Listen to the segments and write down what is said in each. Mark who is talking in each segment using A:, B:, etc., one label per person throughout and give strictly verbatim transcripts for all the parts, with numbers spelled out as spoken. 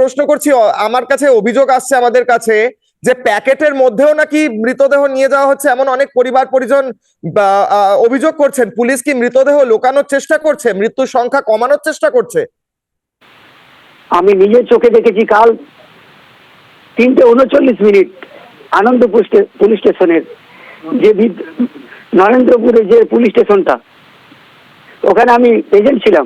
A: প্রশ্ন করছি, আমার কাছে অভিযোগ আসছে আমাদের কাছে যে প্যাকেটের মধ্যেও নাকি মৃতদেহ নিয়ে যাওয়া হচ্ছে, এমন অনেক পরিবার পরিজন অভিযোগ করছেন। পুলিশ কি মৃতদেহ লুকানোর চেষ্টা করছে, মৃত্যুর সংখ্যা কমানোর চেষ্টা করছে?
B: আমি নিজের চোখে দেখেছি কাল তিনটে উনচল্লিশ মিনিট আনন্দপুর পুলিশ স্টেশনের যে নরেন্দ্রপুরে যে পুলিশ স্টেশনটা, ওখানে আমি এজেন্ট ছিলাম।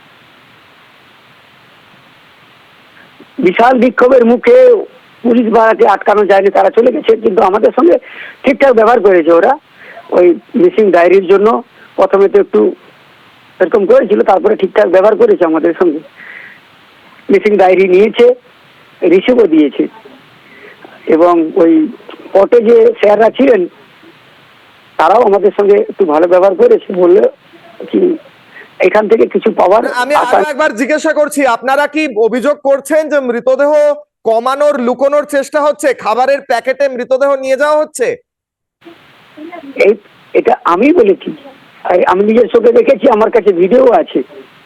B: বিশাল বিক্ষোভের মুখে পুলিশ বাড়াকে আটকানো যায়নি, তারা চলে গেছে, কিন্তু আমাদের সঙ্গে ঠিকঠাক ব্যবহার করেছে ওরা। ওই মিসিং ডায়েরির জন্য প্রথমে তো একটু এরকম করেছিল, তারপরে ঠিকঠাক ব্যবহার করেছে আমাদের সঙ্গে। মিসিং ডায়েরি নিয়েছে, রিসিভও দিয়েছে, এবং ওই পটে যে স্যাররা ছিলেন তারাও আমাদের সঙ্গে একটু ভালো ব্যবহার করেছে। বললে কি এখান থেকে কিছু পাওয়ার।
A: আমি একবার জিজ্ঞাসা করছি, আপনারা কি অভিযোগ করছেন যে মৃতদেহ কমানোর লুকোনোর চেষ্টা হচ্ছে, খাবারের প্যাকেটে মৃতদেহ নিয়ে যাওয়া হচ্ছে?
B: এই এটা আমি বলেছি, আমি নিজের চোখে দেখেছি, আমার কাছে ভিডিও আছে।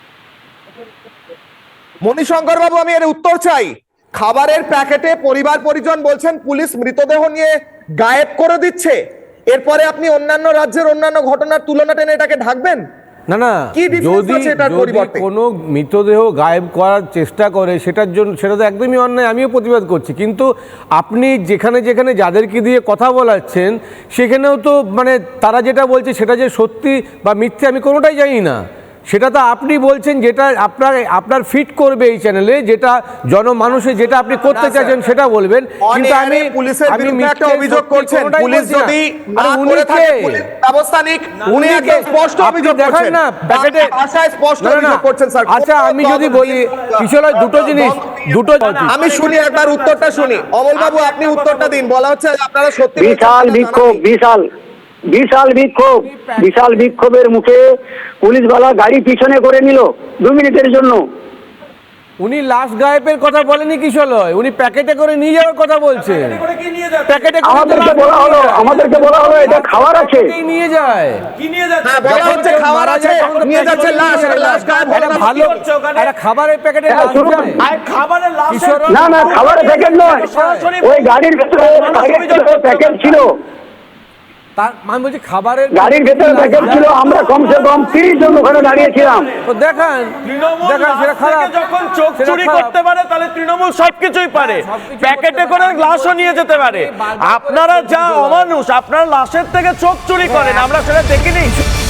A: মণিশঙ্কর বাবু, আমি এর উত্তর চাই। খাবারের প্যাকেটে পরিবার পরিজন বলছেন পুলিশ মৃতদেহ নিয়ে গায়েব করে দিচ্ছে, এরপরে আপনি অন্যান্য রাজ্যের অন্যান্য ঘটনার তুলনা টেনে এটাকে ঢাকবেন?
C: না না, যদি কোনো মৃতদেহ গায়েব করার চেষ্টা করে সেটার জন্য, সেটা তো একদমই অন্যায়, আমিও প্রতিবাদ করছি। কিন্তু আপনি যেখানে যেখানে যাদেরকে দিয়ে কথা বলাচ্ছেন সেখানেও তো মানে তারা যেটা বলছে সেটা যে সত্যি বা মিথ্যে আমি কোনোটাই জানি না। সেটা তো আপনি বলছেন যেটা আপনার আপনার ফিট করবে এই চ্যানেলে, যেটা জনমানুষে যেটা আপনি করতে চাইছেন সেটা বলবেন। কিন্তু আমি
A: পুলিশের বিরুদ্ধে একটা অভিযোগ করছেন, পুলিশ যদি না করে থাকে পুলিশ ব্যবস্থা নিক, উনি একদম স্পষ্ট অভিযোগ করছেন না, প্যাকেটে ভাষায় স্পষ্ট অভিযোগ করছেন স্যার।
C: আচ্ছা, আমি যদি বলি কিশোর, দুটো জিনিস, দুটো
A: আমি শুনি, একবার উত্তরটা শুনি। অমল বাবু, আপনি উত্তরটা দিন। বলা হচ্ছে আপনারা সত্যি
B: বিশাল বিক্ষোভ, বিশাল বিশাল বিক্ষোভ বিশাল বিক্ষোভের মুখে পুলিশওয়ালা গাড়ি পিছনে করে নিল দু মিনিটের জন্য।
C: উনি লাশ গায়েবের কথা বলেনি কিশোরয়, উনি প্যাকেটে করে নিয়ে যাওয়ার কথা বলছে। প্যাকেটে
B: আমাদেরকে বলা হলো আমাদেরকে বলা হলো এটা খাবার আছে,
C: নিয়ে যায়।
D: কি নিয়ে যাচ্ছে?
A: হ্যাঁ, বলা হচ্ছে খাবার আছে, নিয়ে যাচ্ছে লাশ। লাশ গায়েব হলো না,
C: ভালো একটা খাবারের প্যাকেটে লাশ যায়।
D: আর খাবারের লাশ
B: না না, খাবারের প্যাকেট নয়, ওই গাড়ির ভিতরে প্যাকেট ছিল।
C: তার মানে বলছি খাবারের
B: গাড়ির ভেতরে প্যাকেট ছিল। আমরা কমসে কম তিরিশ জন ওখানে দাঁড়িয়েছিলাম।
C: তো দেখান দেখান সেটা খারাপ।
D: যখন চোখ চুরি করতে পারে তাহলে তৃণমূল সবকিছুই পারে, প্যাকেটে করে লাশও নিয়ে যেতে পারে। আপনারা যা অমানুষ, আপনারা লাশের থেকে চোখ চুরি করেন, আমরা সেটা দেখিনি।